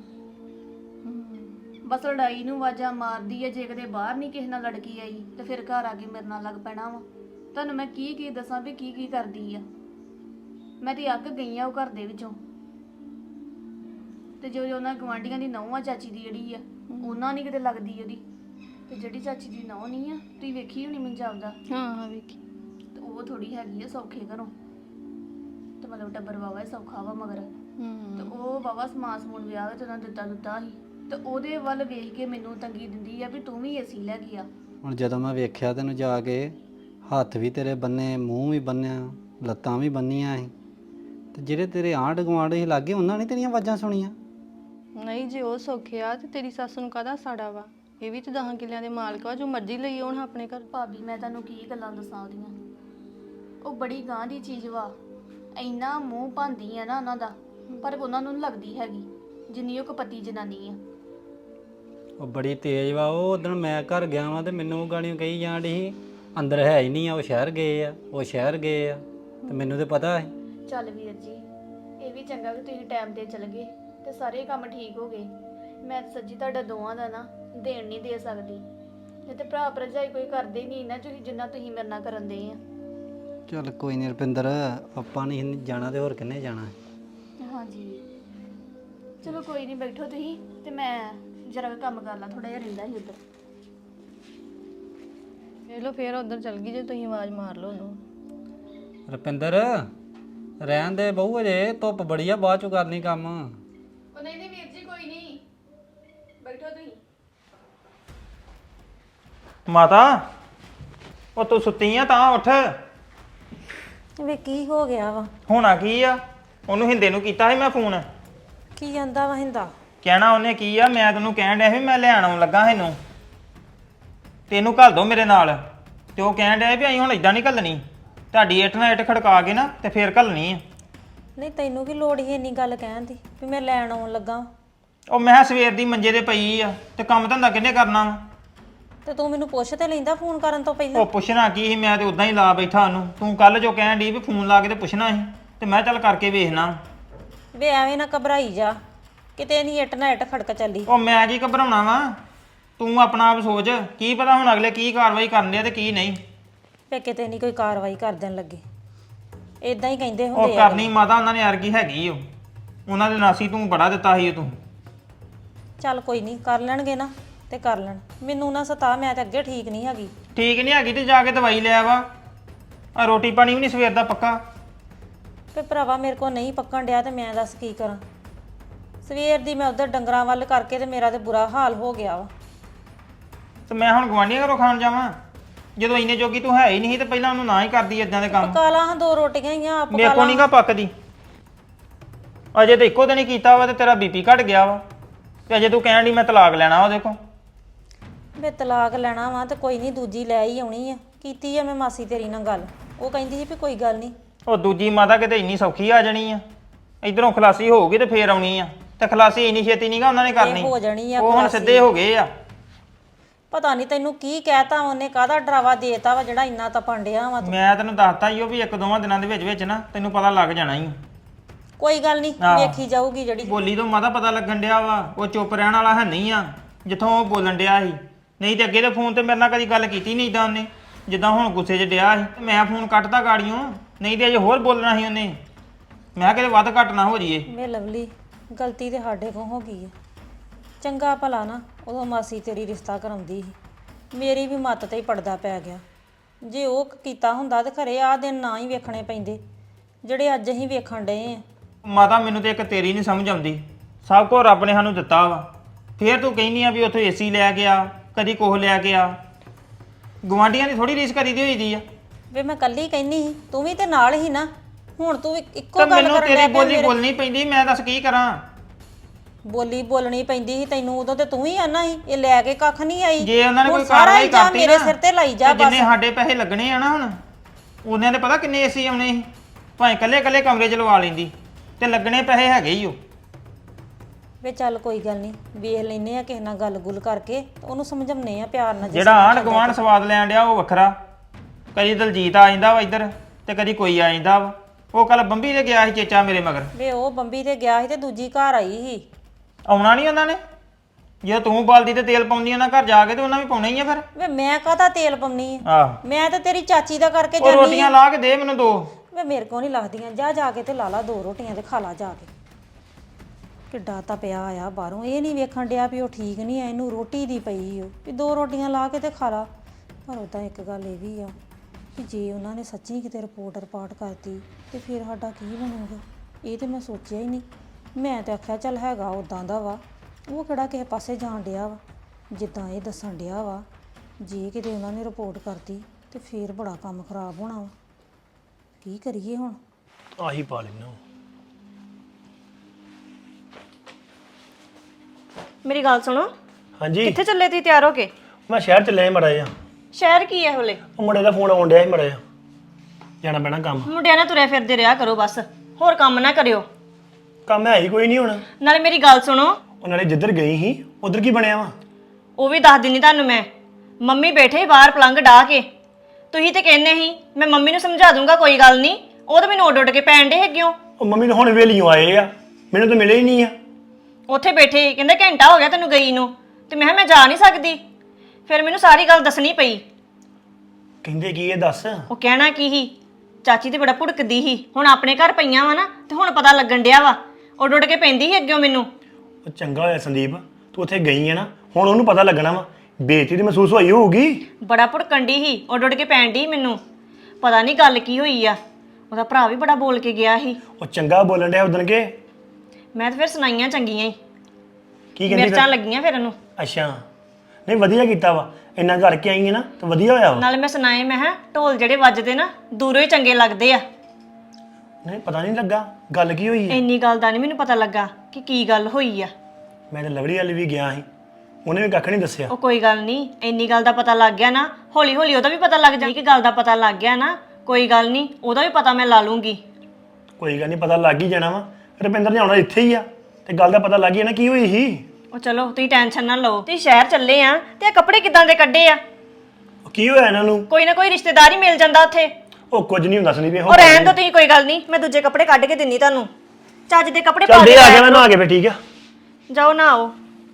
[SPEAKER 5] ਬਸ ਲੜਾਈ ਨੂੰ ਆਵਾਜ਼ਾਂ ਮਾਰਦੀ ਆ। ਜੇ ਕਦੇ ਬਾਹਰ ਨਹੀਂ ਕਿਸੇ ਨਾਲ ਲੜਕੀ ਆਈ ਤੇ ਫਿਰ ਘਰ ਆ ਕੇ ਮੇਰੇ ਨਾਲ ਲੱਗ ਪੈਣਾ ਵਾ। ਤੁਹਾਨੂੰ ਮੈਂ ਕੀ ਕੀ ਦੱਸਾਂ ਵੀ ਕੀ ਕੀ ਕਰਦੀ ਆ। ਮੈਂ ਤੇ ਅੱਕ ਗਈ ਆ ਉਹ ਘਰ ਦੇ ਵਿੱਚੋਂ। ਤੇ ਜੋ ਉਹਨਾਂ ਗਵਾਂਢੀਆਂ ਦੀ ਨਹੁੰ ਆ ਚਾਚੀ ਦੀ ਜਿਹੜੀ ਆ, ਉਹਨਾਂ ਨਹੀਂ ਕਿਤੇ ਲੱਗਦੀ ਉਹਦੀ। ਤੇ ਜਿਹੜੀ ਚਾਚੀ ਦੀ ਨਹੁੰ ਨਹੀਂ ਆ, ਤੁਸੀਂ ਵੇਖੀ ਹੋਣੀ ਮੈਨੂੰ ਜਾਪਦਾ,
[SPEAKER 4] ਹਾਂ ਹਾਂ ਵੇਖੀ।
[SPEAKER 5] ਤੇ ਉਹ ਥੋੜੀ ਹੈਗੀ ਆ ਸੌਖੇ ਘਰੋਂ। ਤੇ ਮਤਲਬ ਟੱਬਰ ਵਾਵਾ ਸੌਖਾ ਵਾ ਮਗਰ। ਤੇ ਉਹ ਵਾਵਾ ਸਮਾਨ ਸਮੂਨ ਵਿਆਹ ਵਿੱਚ ਉਹਨਾਂ ਦਿੱਤਾ ਸੀ। ਤੇ ਉਹਦੇ ਵੱਲ ਵੇਖ ਕੇ ਮੈਨੂੰ ਤੰਗੀ ਦਿੰਦੀ ਆ ਵੀ ਤੂੰ ਵੀ ਏਸੀ ਲੈ ਗਿਆ।
[SPEAKER 3] ਹੁਣ ਜਦੋਂ ਮੈਂ ਵੇਖਿਆ ਤੈਨੂੰ ਜਾ ਕੇ, ਹੱਥ ਵੀ ਤੇਰੇ ਬੰਨੇ, ਮੂੰਹ ਵੀ ਬੰਨਿਆ, ਲੱਤਾਂ ਵੀ ਬੰਨੀਆਂ ਸੀ, ਤੇ ਜਿਹੜੇ ਤੇਰੇ ਆਂਢ ਗੁਆਂਢ ਸੀ ਲਾਗੇ ਉਹਨਾਂ ਨੇ ਤੇਰੀਆਂ ਆਵਾਜ਼ਾਂ ਸੁਣੀਆਂ।
[SPEAKER 4] ਨਹੀਂ, ਜੇ ਉਹ ਸੌਖੇ ਆ ਤੇ ਤੇਰੀ ਸੱਸ ਨੂੰ ਕਾਹਦਾ ਸਾੜਾ ਵਾ? ਇਹ ਵੀ ਤੇ 10 ਕਿੱਲਿਆਂ ਦੇ ਮਾਲਕ ਵਾ, ਜੋ ਮਰਜ਼ੀ ਲਈ ਆਉਣ ਆਪਣੇ ਘਰ।
[SPEAKER 5] ਭਾਬੀ ਮੈਂ ਤੁਹਾਨੂੰ ਕੀ ਗੱਲਾਂ ਦੱਸਾਂ ਉਹਦੀਆਂ। ਉਹ ਬੜੀ ਗਾਂ ਦੀ ਚੀਜ਼ ਵਾ। ਇੰਨਾ ਮੂੰਹ ਭਾਂਦੀ ਆ ਨਾ ਉਹਨਾਂ ਦਾ, ਪਰ ਉਹਨਾਂ ਨੂੰ ਨੀ ਲੱਗਦੀ ਹੈਗੀ ਜਿੰਨੀ ਉਹ ਕਪੱਤੀ ਜਨਾਨੀ ਆ।
[SPEAKER 3] ਉਹ ਬੜੀ ਤੇਜ਼ ਵਾ। ਉਹ ਉਦੋਂ ਮੈਂ ਘਰ ਗਿਆ ਵਾਂ ਤੇ ਮੈਨੂੰ ਉਹ ਗਾਲੀਆਂ ਕਹੀ ਜਾਣ ਡਈ ਸੀ, ਅੰਦਰ ਹੈ ਹੀ ਨਹੀਂ ਆ, ਉਹ ਸ਼ਹਿਰ ਗਏ ਆ, ਉਹ ਸ਼ਹਿਰ ਗਏ ਆ। ਤੇ ਮੈਨੂੰ ਤੇ ਪਤਾ ਹੈ।
[SPEAKER 5] ਚੱਲ ਵੀਰ ਜੀ, ਇਹ ਵੀ ਚੰਗਾ ਕਿ ਤੁਸੀਂ ਟਾਈਮ ਤੇ ਚਲ ਗਏ ਤੇ ਸਾਰੇ ਕੰਮ ਠੀਕ ਹੋ ਗਏ। ਮੈਂ ਤਾਂ ਸੱਚੀ ਤੁਹਾਡਾ ਦੋਵਾਂ ਦਾ ਨਾ ਦੇਣ ਨਹੀਂ ਦੇ ਸਕਦੀ। ਇਹ ਤੇ ਭਰਾ ਭਰਜਾਈ ਕੋਈ ਕਰਦੇ ਹੀ ਨਹੀਂ ਨਾ ਜਿੰਨਾ ਤੁਸੀਂ ਮੇਰੇ ਨਾਲ ਕਰਨ ਦੇ ਆ।
[SPEAKER 3] ਚੱਲ ਕੋਈ ਨਹੀਂ ਰੁਪਿੰਦਰ, ਆਪਾਂ ਨਹੀਂ ਜਾਣਾ ਤੇ ਹੋਰ ਕਿੰਨੇ ਜਾਣਾ?
[SPEAKER 5] ਹਾਂਜੀ ਚਲੋ ਕੋਈ ਨਹੀਂ, ਬੈਠੋ ਤੁਸੀਂ ਤੇ ਮੈਂ ਜਰਾ ਕੰਮ ਕਰ ਲਾਂ, ਥੋੜਾ ਜਿਹਾ ਰਹਿੰਦਾ ਸੀ ਉੱਧਰ।
[SPEAKER 4] ਵੇਖ ਲਓ ਫੇਰ ਉਧਰ ਚਲ ਗਈ, ਜੇ ਤੁਸੀਂ ਆਵਾਜ਼ ਮਾਰ ਲਓ ਉਹਨੂੰ।
[SPEAKER 3] ਰੁਪਿੰਦਰ ਰਹਿਣ ਦੇ ਬਹੂ, ਅਜੇ ਧੁੱਪ ਬੜੀ ਆ, ਬਾਅਦ ਚੋਂ ਕਰਨੀ ਕੰਮ।
[SPEAKER 4] ਉਹ ਨਹੀਂ ਵੀਰ ਜੀ ਕੋਈ ਨਹੀਂ, ਬੈਠੋ ਤੁਸੀਂ।
[SPEAKER 6] ਮਾਤਾ ਉਹ ਤੂੰ ਸੁੱਤੀ ਆ ਤਾਂ ਉੱਠ।
[SPEAKER 7] ਵੇ ਕੀ ਹੋ ਗਿਆ ਵਾ?
[SPEAKER 6] ਹੋਣਾ ਕੀ ਆ, ਉਹਨੂੰ ਹਿੰਦੇ ਨੂੰ ਕੀਤਾ ਸੀ ਮੈਂ ਫੋਨ।
[SPEAKER 7] ਕੀ ਜਾਂਦਾ ਵਾ ਹਿੰਦਾ?
[SPEAKER 6] ਕਹਿਣਾ ਉਹਨੇ ਕੀ ਆ, ਮੈਂ ਤੈਨੂੰ ਕਹਿਣ ਡਿਆ ਸੀ ਮੈਂ ਲੈਣ ਆਉਣ ਲੱਗਾ ਇਹਨੂੰ, ਤੈਨੂੰ ਘੱਲ ਦੋ ਮੇਰੇ ਨਾਲ। ਤੇ ਉਹ ਕਹਿਣ ਡਿਆ ਵੀ ਅਸੀਂ ਹੁਣ ਇਦਾਂ ਨਹੀਂ ਘੱਲਣੀ, ਤੁਹਾਡੀ ਇੱਟ ਨਾਲ ਇੱਟ ਖੜਕਾ ਕੇ ਨਾ ਤੇ ਫੇਰ ਘੱਲਣੀ ਆ।
[SPEAKER 7] ਨਹੀਂ ਤੈਨੂੰ ਕੀ ਲੋੜ ਹੀ ਇੰਨੀ ਗੱਲ ਕਹਿਣ ਦੀ ਵੀ ਮੈਂ ਲੈਣ ਆਉਣ ਲੱਗਾ ਵਾਂ?
[SPEAKER 6] ਉਹ ਮੈਂ ਕਿਹਾ ਸਵੇਰ ਦੀ ਮੰਜੇ ਤੇ ਪਈ ਆ ਤੇ ਕੰਮ ਧੰਦਾ ਕਿੰਨੇ ਕਰਨਾ ਵਾ।
[SPEAKER 7] ਤੇ ਤੂੰ ਮੈਨੂੰ ਪੁੱਛ ਤੇ ਲੈਂਦਾ ਫੋਨ ਕਰਨ ਤੋਂ ਪਹਿਲਾਂ।
[SPEAKER 6] ਉਹ ਪੁੱਛਣਾ ਕੀ ਸੀ, ਮੈਂ ਤੇ ਉਦਾਂ ਹੀ ਲਾ ਬੈਠਾ ਉਹਨੂੰ। ਤੂੰ ਕੱਲ ਜੋ ਕਹਿਣ ਡਈ ਵੀ ਫੋਨ ਲਾ ਕੇ ਤੇ ਪੁੱਛਣਾ ਸੀ, ਤੇ ਮੈਂ ਚੱਲ ਕਰਕੇ ਵੇਖਣਾ।
[SPEAKER 7] ਵੇ ਐਵੇਂ ਨਾ ਘਬਰਾਈ ਜਾ, ਕਿਤੇ ਨਹੀਂ ਇੱਟ ਨਾ ਇੱਟ ਖੜਕ ਚੱਲੀ।
[SPEAKER 6] ਉਹ ਮੈਂ ਕੀ ਘਬਰਾਉਣਾ ਵਾ, ਤੂੰ ਆਪਣਾ ਆਪ ਸੋਚ, ਕੀ ਪਤਾ ਹੁਣ ਅਗਲੇ ਕੀ ਕਾਰਵਾਈ ਕਰਨਦੇ ਆ ਤੇ ਕੀ ਨਹੀਂ।
[SPEAKER 7] ਵੇ ਕਿਤੇ ਨਹੀਂ ਕੋਈ ਕਾਰਵਾਈ ਕਰ ਦੇਣ ਲੱਗੇ, ਇਦਾਂ ਹੀ ਕਹਿੰਦੇ
[SPEAKER 6] ਉਹ
[SPEAKER 7] ਹੁੰਦੇ ਆ।
[SPEAKER 6] ਕਰਨੀ ਮਾਤਾ ਉਹਨਾਂ ਨੇ ਅਰਗੀ ਹੈਗੀ ਓ, ਉਹਨਾਂ ਦੇ ਨਾਸੀ ਤੂੰ ਬੜਾ ਦਿੱਤਾ ਸੀ ਤੂੰ।
[SPEAKER 7] ਚੱਲ ਕੋਈ ਨਹੀਂ, ਕਰ ਲੈਣਗੇ ਨਾ ਤੇ ਕਰ ਲੈਣ, ਮੈਨੂੰ ਨਾ ਸਤਾ, ਮੈਂ ਤਾਂ ਅੱਗੇ ਠੀਕ ਨਹੀਂ ਹੈਗੀ।
[SPEAKER 6] ਠੀਕ ਨਹੀਂ ਹੈਗੀ ਤੇ ਜਾ ਕੇ ਦਵਾਈ ਲੈ ਆਵਾ, ਆ ਰੋਟੀ ਪਾਣੀ ਵੀ ਨਹੀਂ ਸਵੇਰ ਦਾ ਪੱਕਾ।
[SPEAKER 7] ਤੇ ਭਰਾਵਾ ਮੇਰੇ ਕੋਲ ਨਹੀਂ ਪੱਕਣ ਡਿਆ ਤੇ ਮੈਂ ਦੱਸ ਕੀ ਕਰਾਂ। ਸਵੇਰ ਦੀ ਮੈਂ ਉਧਰ ਡੰਗਰਾਂ ਵੱਲ ਕਰਕੇ ਤੇ ਮੇਰਾ ਤੇ ਬੁਰਾ ਹਾਲ ਹੋ ਗਿਆ ਵਾ।
[SPEAKER 6] ਤੇ ਮੈਂ ਹੁਣ ਗਵਾਂਢੀਆਂ ਘਰੋਂ ਖਾਣ ਜਾਵਾਂ, ਜਦੋਂ ਇੰਨੇ ਜੋਗੀ ਤੂੰ ਹੈ ਹੀ ਨਹੀਂ ਤੇ ਪਹਿਲਾਂ ਉਹਨੂੰ ਨਾ ਹੀ ਕਰਦੀ ਇਦਾਂ ਦੇ ਕੰਮ।
[SPEAKER 7] ਪਕਾ ਲਾਂ ਦੋ ਰੋਟੀਆਂ ਹੀ ਆ,
[SPEAKER 6] ਮੇਰੇ ਕੋ ਨਹੀਂਗਾ ਪੱਕਦੀ, ਅਜੇ ਤੇ ਇੱਕੋ ਦਿਨ ਹੀ ਕੀਤਾ ਵਾ ਤੇ ਤੇਰਾ ਬੀਪੀ ਘਟ ਗਿਆ ਵਾ, ਤੇ ਅਜੇ ਤੂੰ ਕਹਿਣ ਡਈ ਮੈਂ ਤਲਾਕ ਲੈਣਾ ਉਹਦੇ ਕੋਲ।
[SPEAKER 7] ਵੇ ਤਲਾਕ ਲੈਣਾ ਵਾ ਤੇ ਕੋਈ ਨਹੀਂ, ਦੂਜੀ ਲੈ ਹੀ ਆਉਣੀ ਆ। ਕੀਤੀ ਆ ਮੈਂ ਮਾਸੀ ਤੇਰੀ ਨਾਲ ਗੱਲ, ਉਹ ਕਹਿੰਦੀ ਸੀ ਵੀ ਕੋਈ ਗੱਲ ਨਹੀਂ।
[SPEAKER 6] ਉਹ ਦੂਜੀ ਮਾਤਾ ਕਿਤੇ ਇੰਨੀ ਸੌਖੀ ਆ ਜਾਣੀ ਆ, ਇਧਰੋਂ ਖਲਾਸੀ ਹੋਊਗੀ ਤੇ ਫੇਰ ਆਉਣੀ ਆ, ਤੇ ਖਲਾਸੀ ਇੰਨੀ ਛੇਤੀ ਨਹੀਂਗਾ ਉਹਨਾਂ ਨੇ ਕਰਨੀ।
[SPEAKER 7] ਹੋ ਜਾਣੀ ਆ
[SPEAKER 6] ਉਹ ਹੁਣ
[SPEAKER 7] ਖਲਾਸੀ।
[SPEAKER 6] ਸਿੱਧੇ ਹੋ ਗਏ ਆ।
[SPEAKER 7] ਪਤਾ ਨਹੀਂ ਤੈਨੂੰ ਕੀ ਕਹਿਤਾ ਉਹਨੇ, ਕਾਹਦਾ ਡਰਾਵਾ ਦੇਤਾ ਵਾ ਜਿਹੜਾ ਇੰਨਾ ਤਪਣ ਡਿਆ ਵਾ ਤੂੰ।
[SPEAKER 6] ਮੈਂ ਤੈਨੂੰ ਦੱਸਤਾ ਹੀ ਉਹ ਵੀ ਇੱਕ ਦੋਵਾਂ ਦਿਨਾਂ ਦੇ ਵਿੱਚ ਨਾ ਤੈਨੂੰ ਪਤਾ ਲੱਗ ਜਾਣਾ ਹੀ।
[SPEAKER 7] ਕੋਈ ਗੱਲ ਨਹੀਂ,
[SPEAKER 6] ਆਹ।
[SPEAKER 7] ਵੇਖੀ ਜਾਊਗੀ ਜਿਹੜੀ।
[SPEAKER 6] ਬੋਲੀ ਤੋਂ ਮਾਤਾ ਪਤਾ ਲੱਗਣ ਡਿਆ ਵਾ, ਉਹ ਚੁੱਪ ਰਹਿਣ ਵਾਲਾ ਹੈ ਨਹੀਂ ਆ ਜਿੱਥੋਂ ਉਹ ਬੋਲਣ ਡਿਆ ਸੀ। ਨਹੀਂ ਤੇ ਅੱਗੇ ਦੇ ਫੋਨ ਤੇ ਮੇਰੇ ਨਾਲ ਕਦੀ ਗੱਲ ਕੀਤੀ ਨਹੀਂ ਇਦਾਂ ਉਹਨੇ, ਜਿੱਦਾਂ ਹੁਣ ਗੁੱਸੇ 'ਚ ਡਿਆ ਸੀ। ਤੇ ਮੈਂ ਫੋਨ ਕੱਟਦਾ ਗਾੜੀਆਂ, ਨਹੀਂ ਤੇ ਅਜੇ ਹੋਰ ਬੋਲਣਾ ਸੀ ਉਹਨੇ। ਮੈਂ ਕਿਤੇ ਵੱਧ ਘੱਟ ਨਾ ਹੋ ਜਾਈਏ।
[SPEAKER 7] ਮੇ ਲਵਲੀ, ਗਲਤੀ ਤੇ ਸਾਡੇ ਕੋਲ ਹੋ ਗਈ ਆ। ਚੰਗਾ ਭਲਾ ਨਾ ਉਦੋਂ ਮਾਸੀ ਤੇਰੀ ਰਿਸ਼ਤਾ ਕਰਾਉਂਦੀ ਸੀ, ਮੇਰੀ ਵੀ ਮੱਤ ਤੇ ਹੀ ਪੜਦਾ ਪੈ ਗਿਆ। ਜੇ ਉਹ ਕੀਤਾ ਹੁੰਦਾ ਤੇ ਖਰੇ ਆਹ ਦਿਨ ਨਾ ਹੀ ਵੇਖਣੇ ਪੈਂਦੇ ਜਿਹੜੇ ਅੱਜ ਅਸੀਂ ਵੇਖਣ ਡਏ ਆ।
[SPEAKER 6] ਮਾਤਾ ਮੈਨੂੰ ਤੇ ਇੱਕ ਤੇਰੀ ਨਹੀਂ ਸਮਝ ਆਉਂਦੀ, ਸਭ ਕੁਝ ਰੱਬ ਨੇ ਸਾਨੂੰ ਦਿੱਤਾ ਵਾ, ਫੇਰ ਤੂੰ ਕਹਿੰਦੀ ਆ ਵੀ ਉੱਥੋਂ ਏਸੀ ਲੈ ਗਿਆ, ਕਦੀ ਕੋਹ ਲੈ ਗਿਆ। ਗਵਾਂਢੀਆਂ ਦੀ ਥੋੜੀ ਰੀਸ ਕਰੀਦੀ ਹੋਈ ਦੀ ਆ।
[SPEAKER 7] ਵੇ ਮੈਂ ਕੱਲੀ ਕਹਿੰਨੀ ਸੀ, ਤੂੰ ਵੀ ਤੇ ਨਾਲ ਹੀ ਨਾ। ਹੁਣ ਤੂੰ ਇੱਕੋ
[SPEAKER 6] ਤਾਂ
[SPEAKER 7] ਗੱਲ
[SPEAKER 6] ਮੈਨੂੰ
[SPEAKER 7] ਕਰਨ
[SPEAKER 6] ਤੇਰੀ
[SPEAKER 7] ਲੱਗ ਪਿਆ
[SPEAKER 6] ਬੋਲੀ
[SPEAKER 7] ਮੇਰੇ।
[SPEAKER 6] ਬੋਲਣੀ ਪੈਂਦੀ, ਮੈਂ ਦੱਸ ਕੀ ਕਰਾਂ।
[SPEAKER 7] ਬੋਲੀ ਬੋਲਣੀ ਪੈਂਦੀ ਸੀ ਤੈਨੂੰ ਉਦੋਂ, ਤੇ ਤੂੰ ਹੀ ਆਨਾ ਸੀ ਇਹ ਲੈ ਕੇ ਕੱਖ ਨਹੀਂ ਆਈ।
[SPEAKER 6] ਜੇ ਉਹਨਾਂ ਨੇ
[SPEAKER 7] ਹੁਣ
[SPEAKER 6] ਕੋਈ
[SPEAKER 7] ਸਾਰਾ
[SPEAKER 6] ਕਾਰਵਾਈ
[SPEAKER 7] ਇਲਜ਼ਾਮ
[SPEAKER 6] ਕਰਤੀ
[SPEAKER 7] ਮੇਰੇ
[SPEAKER 6] ਨਾ,
[SPEAKER 7] ਸਿਰ ਤੇ ਲਾਈ ਜਾ
[SPEAKER 6] ਤੇ
[SPEAKER 7] ਬਸ।
[SPEAKER 6] ਜਿੰਨੇ ਸਾਡੇ ਪੈਸੇ ਲੱਗਣੇ ਆ ਨਾ ਹੁਣ, ਉਹਨਾਂ ਦੇ ਪਤਾ ਕਿੰਨੇ ਏਸੀ ਆਉਣੇ ਸੀ, ਭਾਵੇਂ ਕੱਲੇ ਕੱਲੇ ਕਮਰੇ 'ਚ ਲਵਾ ਲੈਂਦੀ, ਤੇ ਲੱਗਣੇ ਪੈਸੇ ਹੈਗੇ ਹੀ ਉਹ।
[SPEAKER 7] ਵੇ ਚੱਲ ਕੋਈ ਗੱਲ ਨਹੀਂ, ਵੇਖ ਲੈਨੇ ਆ ਕਿਸੇ ਨਾਲ ਗੱਲ-ਗੁੱਲ ਕਰਕੇ ਤੇ ਉਹਨੂੰ ਸਮਝਾਉਨੇ ਆ ਪਿਆਰ ਨਾਲ।
[SPEAKER 6] ਜਿਹੜਾ ਆਂਢ ਗੁਆਂਢ ਸਵਾਦ ਲੈਣ ਡਿਆ ਉਹ ਵੱਖਰਾ, ਕਦੀ ਦਲਜੀਤ ਆ ਜਾਂਦਾ ਵਾ ਇੱਧਰ ਤੇ ਕਦੀ ਕੋਈ ਆ ਜਾਂਦਾ ਵਾ। ਉਹ ਕੱਲ ਬੰਬੀ ਤੇ ਗਿਆ ਸੀ ਚੇਚਾ ਮੇਰੇ ਮਗਰ।
[SPEAKER 7] ਵੇ ਉਹ ਬੰਬੀ ਤੇ ਗਿਆ ਸੀ ਤੇ ਦੂਜੀ ਘਰ ਆਈ ਸੀ।
[SPEAKER 6] ਆਉਣਾ ਨਹੀਂ ਉਹਨਾਂ ਨੇ, ਜੇ ਤੂੰ ਬਲਦੀ ਤੇ ਤੇਲ ਪਾਉਂਦੀ ਉਹਨਾਂ ਘਰ ਜਾ ਕੇ ਤੇ ਉਹਨਾਂ ਵੀ ਪਾਉਣਾ ਹੀ ਆ ਫਿਰ।
[SPEAKER 7] ਵੇ ਮੈਂ ਕਾਹਦਾ ਤੇਲ ਪਾਉਣੀ ਆ,
[SPEAKER 6] ਆਹ
[SPEAKER 7] ਮੈਂ ਤਾਂ ਤੇਰੀ ਚਾਚੀ ਦਾ ਕਰਕੇ
[SPEAKER 6] ਉਹ
[SPEAKER 7] ਜਾਨੀ
[SPEAKER 6] ਰੋਟੀਆਂ ਲਾ ਕੇ ਦੇ ਮੈਨੂੰ 2।
[SPEAKER 7] ਵੇ ਮੇਰੇ ਕੋ ਨਹੀਂ ਲੱਗਦੀਆਂ, ਜਾ ਕੇ ਤੇ ਲਾ ਲਾ 2 ਰੋਟੀਆਂ ਤੇ ਖਾ ਲਾ ਜਾ ਕੇ। ਕਿੱਡਾ ਤਾਂ ਪਿਆ ਆ ਬਾਹਰੋਂ, ਇਹ ਨਹੀਂ ਵੇਖਣ ਡਿਆ ਵੀ ਉਹ ਠੀਕ ਨਹੀਂ ਆ, ਇਹਨੂੰ ਰੋਟੀ ਦੀ ਪਈ ਉਹ ਵੀ 2 ਰੋਟੀਆਂ ਲਾ ਕੇ ਤੇ ਖਾ ਲਾ। ਪਰ ਉਦਾਂ ਇੱਕ ਗੱਲ ਇਹ ਵੀ ਆ ਕਿ ਜੇ ਉਹਨਾਂ ਨੇ ਸੱਚੀ ਕਿਤੇ ਰਿਪੋਰਟ ਕਰਤੀ ਤੇ ਫਿਰ ਸਾਡਾ ਕੀ ਬਣੂਗਾ, ਇਹ ਤੇ ਮੈਂ ਸੋਚਿਆ ਹੀ ਨਹੀਂ। ਮੈਂ ਤੇ ਆਖਿਆ ਚੱਲ ਹੈਗਾ ਉਦਾਂ ਦਾ ਵਾ, ਉਹ ਕਿਹੜਾ ਕਿਸੇ ਪਾਸੇ ਜਾਣ ਡਿਆ ਵਾ ਜਿੱਦਾਂ ਇਹ ਦੱਸਣ ਡਿਆ ਵਾ। ਜੇ ਕਿਤੇ ਉਹਨਾਂ ਨੇ ਰਿਪੋਰਟ ਕਰਤੀ ਤੇ ਫਿਰ ਬੜਾ ਕੰਮ ਖਰਾਬ ਹੋਣਾ ਵਾ। ਕੀ ਕਰੀਏ ਹੁਣ?
[SPEAKER 8] ਆਹੀ ਪਾ ਲੈਣਾ।
[SPEAKER 2] ਮੇਰੀ ਗੱਲ ਸੁਣੋ,
[SPEAKER 8] ਹਾਂਜੀ
[SPEAKER 2] ਕਿੱਥੇ ਚੱਲੇ ਤੁਸੀਂ ਤਿਆਰ ਹੋ ਕੇ?
[SPEAKER 8] ਮੈਂ ਸ਼ਹਿਰ ਚੱਲਿਆ ਮੜਾ ਜਾ।
[SPEAKER 2] ਸ਼ਹਿਰ ਕੀ ਹੈ ਹਲੇ?
[SPEAKER 8] ਉਹ ਮੁੰਡੇ ਦਾ ਫੋਨ ਆਉਣ ਡਿਆ ਸੀ ਮੜਾ ਜਾ, ਜਾਣਾ ਪੈਣਾ ਕੰਮ।
[SPEAKER 2] ਮੁੰਡਿਆਂ ਨਾਲ ਤੁਰਿਆ ਫਿਰਦੇ ਰਿਹਾ ਕਰੋ ਬਸ, ਹੋਰ ਕੰਮ ਨਾ ਕਰਿਓ।
[SPEAKER 8] ਕੰਮ ਹੈ ਹੀ ਕੋਈ ਨਹੀਂ ਹੁਣ।
[SPEAKER 2] ਨਾਲੇ ਮੇਰੀ ਗੱਲ ਸੁਣੋ,
[SPEAKER 8] ਉਹਨਾਂ ਨੇ ਜਿੱਧਰ ਗਈ ਸੀ ਉਧਰ ਕੀ ਬਣਿਆ ਵਾ?
[SPEAKER 2] ਉਹ ਵੀ ਦੱਸ ਦਿੰਦੀ ਤੁਹਾਨੂੰ ਮੈਂ। ਮੰਮੀ ਬੈਠੇ ਬਾਹਰ ਪਲੰਗ ਢਾ ਕੇ, ਤੁਸੀਂ ਤੇ ਕਹਿੰਦੇ ਸੀ ਮੈਂ ਮੰਮੀ ਨੂੰ ਸਮਝਾ ਦੂੰਗਾ ਕੋਈ ਗੱਲ ਨਹੀਂ, ਉਹ ਤਾਂ ਮੈਨੂੰ ਉੱਡ ਕੇ ਪੈਣ ਡੇ ਹੈਗਿਓ।
[SPEAKER 8] ਉਹ ਮੰਮੀ ਨੂੰ ਹੁਣ ਵੇਲੀਓ ਆਏ ਆ, ਮੈਨੂੰ ਤਾਂ ਮਿਲੇ ਹੀ ਨਹੀਂ ਆ।
[SPEAKER 2] ਉੱਥੇ ਬੈਠੇ ਕਹਿੰਦੇ ਘੰਟਾ ਹੋ ਗਿਆ ਤੈਨੂੰ ਗਈ ਨੂੰ ਤੇ ਮੈਂ ਕਿਹਾ ਮੈਂ ਜਾ ਨਹੀਂ ਸਕਦੀ। ਫਿਰ ਮੈਨੂੰ ਸਾਰੀ ਗੱਲ ਦੱਸਣੀ ਪਈ।
[SPEAKER 8] ਕਹਿੰਦੇ ਕੀ ਇਹ ਦੱਸ।
[SPEAKER 2] ਉਹ ਕਹਿਣਾ ਕੀ ਸੀ, ਚਾਚੀ ਤੇ ਬੜਾ ਭੁੜਕਦੀ ਸੀ, ਹੁਣ ਆਪਣੇ ਘਰ ਪਈਆਂ ਵਾ ਨਾ ਤੇ ਹੁਣ ਪਤਾ ਲੱਗਣ ਡਿਆ ਵਾ। ਉੱਡ ਉੱਡ ਕੇ ਪੈਂਦੀ ਸੀ ਅੱਗਿਓਂ ਮੈਨੂੰ।
[SPEAKER 8] ਉਹ ਚੰਗਾ ਹੋਇਆ ਸੰਦੀਪ ਤੂੰ ਉੱਥੇ ਗਈ ਹੈ ਨਾ, ਹੁਣ ਉਹਨੂੰ ਪਤਾ ਲੱਗਣਾ ਵਾ, ਬੇਇੱਜ਼ਤੀ ਦੀ ਮਹਿਸੂਸ ਹੋਈ ਹੋਊਗੀ।
[SPEAKER 2] ਬੜਾ ਭੁੜਕਣ ਦੀ ਸੀ, ਉੱਡ ਉੱਡ ਕੇ ਪੈਣ ਦੀ ਮੈਨੂੰ। ਪਤਾ ਨਹੀਂ ਗੱਲ ਕੀ ਹੋਈ ਆ। ਉਹਦਾ ਭਰਾ ਵੀ ਬੜਾ ਬੋਲ ਕੇ ਗਿਆ ਸੀ।
[SPEAKER 8] ਉਹ ਚੰਗਾ ਬੋਲਣ ਡਿਆ ਉਦਣ ਕੇ।
[SPEAKER 2] ਮੈਂ ਤਾਂ ਫਿਰ ਸੁਣਾਈਆਂ ਚੰਗੀਆਂ ਹੀ,
[SPEAKER 8] ਕੀ ਕਹਿੰਦੀ
[SPEAKER 2] ਮਿਰਚਾਂ ਲੱਗੀਆਂ ਫਿਰ ਉਹਨੂੰ।
[SPEAKER 8] ਅੱਛਾ ਨਹੀਂ ਵਧੀਆ ਕੀਤਾ ਵਾ, ਇੰਨਾ ਕਰਕੇ ਆਈ ਹੈ ਨਾ ਤਾਂ ਵਧੀਆ ਹੋਇਆ ਵਾ।
[SPEAKER 2] ਨਾਲੇ ਮੈਂ ਸੁਣਾਏ, ਮੈਂ ਕਿਹਾ ਢੋਲ ਜਿਹੜੇ ਵੱਜਦੇ ਨਾ ਦੂਰੋਂ ਹੀ ਚੰਗੇ ਲੱਗਦੇ ਆ।
[SPEAKER 8] ਨਹੀਂ ਪਤਾ ਨਹੀਂ ਲੱਗਾ ਗੱਲ ਕੀ ਹੋਈ ਹੈ।
[SPEAKER 2] ਇੰਨੀ ਗੱਲ ਦਾ ਨਹੀਂ ਮੈਨੂੰ ਪਤਾ ਲੱਗਾ ਕਿ ਕੀ ਗੱਲ ਹੋਈ ਆ।
[SPEAKER 8] ਮੈਂ ਤਾਂ ਲਵੜੀ ਵਾਲੀ ਵੀ ਗਿਆ ਸੀ, ਉਹਨੇ ਵੀ ਕੱਖ ਨਹੀਂ ਦੱਸਿਆ।
[SPEAKER 2] ਉਹ ਕੋਈ ਗੱਲ ਨਹੀਂ, ਇੰਨੀ ਗੱਲ ਦਾ ਪਤਾ ਲੱਗ ਗਿਆ ਨਾ, ਹੌਲੀ ਹੌਲੀ ਉਹਦਾ ਵੀ ਪਤਾ ਲੱਗ ਜਾਏ। ਕਿ ਗੱਲ ਦਾ ਪਤਾ ਲੱਗ ਗਿਆ ਨਾ, ਕੋਈ ਗੱਲ ਨਹੀਂ, ਉਹਦਾ ਵੀ ਪਤਾ ਮੈਂ ਲਾ ਲੂੰਗੀ।
[SPEAKER 8] ਕੋਈ ਗੱਲ ਨਹੀਂ ਪਤਾ ਲੱਗ ਹੀ ਜਾਣਾ ਵਾ। ਰੁਪਿੰਦਰ ਨੇ ਆਉਣਾ ਇੱਥੇ ਹੀ ਆ ਤੇ ਗੱਲ ਦਾ ਪਤਾ ਲੱਗ ਗਿਆ ਨਾ ਕੀ ਹੋਈ ਸੀ।
[SPEAKER 2] ਉਹ ਚਲੋ ਤੁਸੀਂ ਟੈਨਸ਼ਨ ਨਾ ਲਓ, ਤੁਸੀਂ ਸ਼ਹਿਰ ਚੱਲੇ ਆ ਤੇ ਇਹ ਕੱਪੜੇ ਕਿੱਦਾਂ ਦੇ ਕੱਢੇ ਆ?
[SPEAKER 8] ਉਹ ਕੀ ਹੋਇਆ ਇਹਨਾਂ ਨੂੰ?
[SPEAKER 2] ਕੋਈ ਨਾ ਕੋਈ ਰਿਸ਼ਤੇਦਾਰ ਹੀ ਮਿਲ ਜਾਂਦਾ ਉੱਥੇ।
[SPEAKER 8] ਉਹ ਕੁਝ ਨਹੀਂ ਹੁੰਦਾ ਸੰਦੀਪ।
[SPEAKER 2] ਉਹ ਰਹਿਣ ਦੋ ਤੁਸੀਂ, ਕੋਈ ਗੱਲ ਨਹੀਂ, ਮੈਂ ਦੂਜੇ ਕੱਪੜੇ ਕੱਢ ਕੇ ਦਿੰਨੀ ਤੁਹਾਨੂੰ। ਚੱਜ ਦੇ ਕੱਪੜੇ ਪਾ
[SPEAKER 8] ਚੱਲ
[SPEAKER 2] ਕੇ
[SPEAKER 8] ਦੇ ਆ ਗਿਆ, ਮੈਂ ਨਹਾ ਕੇ ਫੇ ਠੀਕ ਆ।
[SPEAKER 2] ਜਾਓ ਨਾ ਆਓ।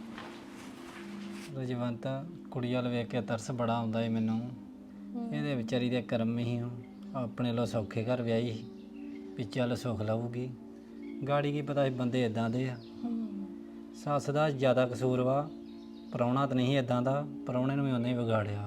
[SPEAKER 3] ਰਜਵੰਤ ਕੁੜੀ ਵੱਲ ਵੇਖ ਕੇ ਤਰਸ ਬੜਾ ਆਉਂਦਾ ਏ ਮੈਨੂੰ। ਇਹਦੇ ਵਿਚਾਰੀ ਦੇ ਕਰਮ ਹੀ ਆਪਣੇ ਲੋ ਸੌਖੇ ਘਰ ਵਿਆਹੀ ਸੀ ਵੀ ਚੱਲ ਸੁੱਖ ਲਊਗੀ। ਗਾੜੀ ਕੀ ਪਤਾ ਸੀ ਬੰਦੇ ਇਦਾਂ ਦੇ ਆ। ਸੱਸ ਦਾ ਜ਼ਿਆਦਾ ਕਸੂਰ ਵਾ, ਪ੍ਰਾਹੁਣਾ ਤਾਂ ਨਹੀਂ ਇਦਾਂ ਦਾ, ਪ੍ਰਾਹੁਣੇ ਨੂੰ ਵੀ ਉਹਨੇ ਹੀ ਵਿਗਾੜਿਆ।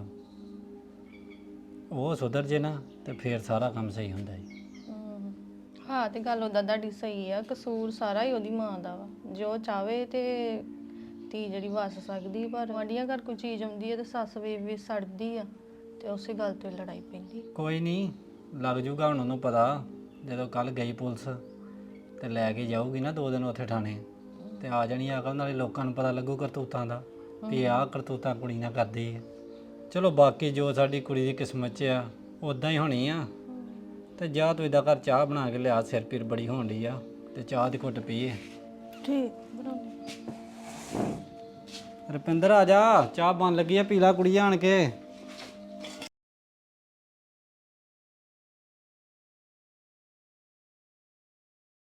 [SPEAKER 3] ਉਹ ਸੁਧਰ ਜੇ ਨਾ ਤੇ ਫੇਰ ਸਾਰਾ ਕੰਮ ਸਹੀ ਹੁੰਦਾ ਹੈ।
[SPEAKER 4] ਹਾਂ ਤੇ ਗੱਲ ਉਹਦਾ ਤੁਹਾਡੀ ਸਹੀ ਆ, ਕਸੂਰ ਸਾਰਾ ਹੀ ਉਹਦੀ ਮਾਂ ਦਾ ਵਾ। ਜੋ ਚਾਵੇ ਤੇ ਧੀ ਜਿਹੜੀ ਵਸ ਸਕਦੀ, ਪਰ ਵਾਂਡੀਆਂ ਘਰ ਕੋਈ ਚੀਜ਼ ਆਉਂਦੀ ਹੈ ਤੇ ਸੱਸ ਵੇ ਸੜਦੀ ਆ ਤੇ ਉਸੇ ਗੱਲ ਤੋਂ ਲੜਾਈ ਪੈਂਦੀ।
[SPEAKER 3] ਕੋਈ ਨਹੀਂ, ਲੱਗ ਜੂਗਾ ਹੁਣ ਉਹਨੂੰ ਪਤਾ। ਜਦੋਂ ਕੱਲ ਗਈ ਪੁਲਿਸ ਤੇ ਲੈ ਕੇ ਜਾਊਗੀ ਨਾ 2 ਦਿਨ ਉੱਥੇ ਥਾਣੇ, ਤੇ ਆ ਜਾਣੀ ਅਕਲ, ਨਾਲੇ ਲੋਕਾਂ ਨੂੰ ਪਤਾ ਲੱਗੂ ਕਰਤੂਤਾਂ ਦਾ ਵੀ ਆਹ ਕਰਤੂਤਾਂ ਕੁੜੀ ਨਾਲ ਕਰਦੀ ਹੈ। ਚਲੋ ਬਾਕੀ ਜੋ ਸਾਡੀ ਕੁੜੀ ਦੀ ਕਿਸਮਤ 'ਚ ਆ ਉਦਾਂ ਹੀ ਹੋਣੀ ਆ। ਤੇ ਜਾ ਤੂੰ ਇਹਦਾ ਘਰ ਚਾਹ ਬਣਾ ਕੇ ਲਿਆ, ਸਿਰ ਪੀਰ ਬੜੀ ਹੋਣ ਡਈ ਆ, ਤੇ ਚਾਹ ਦੀ ਘੁੱਟ ਪੀਏ।
[SPEAKER 4] ਠੀਕ।
[SPEAKER 3] ਰੁਪਿੰਦਰ ਆ ਜਾ, ਚਾਹ ਬਣ ਲੱਗੀ ਆ, ਪੀ ਲਾ ਕੁੜੀ ਆਣ ਕੇ।